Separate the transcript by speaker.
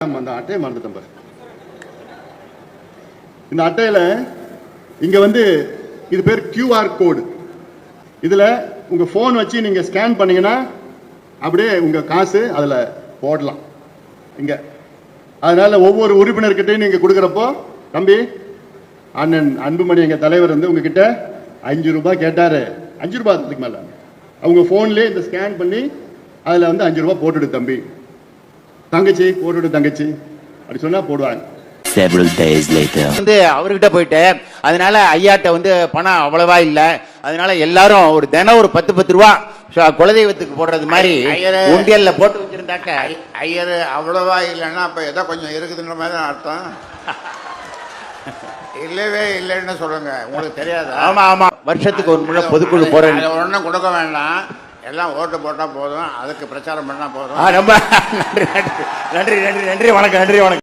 Speaker 1: அந்த அட்டையை மறந்துட்டேன் பாரு. இந்த அட்டையில இங்க வந்து இது பேர் QR கோடு. இதுல உங்க போன் வச்சு நீங்க ஸ்கேன் பண்ணீங்கன்னா அப்படியே உங்க காசு அதுல போடலாம் இங்க. அதனால ஒவ்வொரு உறுப்பினர்கிட்டையும் நீங்க கொடுக்கறப்போ, தம்பி அண்ணன் அன்புமணி எங்க தலைவர் வந்து உங்ககிட்ட 5 ரூபாய் கேட்டாரு, 5 ரூபாய் அதுக்கு மேல அவங்க போன்லயே இந்த ஸ்கேன் பண்ணி அதுல வந்து 5 ரூபாய் போட்டுடு தம்பி, தங்கச்சி போட்டுடு தங்கச்சி அப்படி சொன்னா போடுவாங்க.
Speaker 2: Several days later
Speaker 3: வந்து அவர்கிட்ட போயிட்டு, அதனால ஐயாட்ட வந்து பணம் அவ்வளவா இல்ல, அதனால எல்லாரும் ஒரு தினம் ஒரு 10 ரூபா குலதெய்வத்துக்கு போடுறது மாதிரி உண்டியல்ல போட்டு வச்சிருந்தாக்க,
Speaker 4: ஐயர் அவ்வளவா இல்லைன்னா அப்ப ஏதோ கொஞ்சம் இருக்குதுன்ற மாதிரி தான் அர்த்தம். இல்லவே இல்லைன்னு சொல்லுங்க, உங்களுக்கு தெரியாது.
Speaker 3: ஆமா ஆமா, வருஷத்துக்கு ஒரு முறை பொதுக்குழு போறேன்.
Speaker 4: ஒன்றும் கொடுக்க வேண்டாம், எல்லாம் ஓட்டு போட்டா போதும், அதுக்கு பிரச்சாரம் பண்ணா போதும்.
Speaker 3: ரொம்ப நன்றி நன்றி நன்றி நன்றி, வணக்கம், நன்றி வணக்கம்.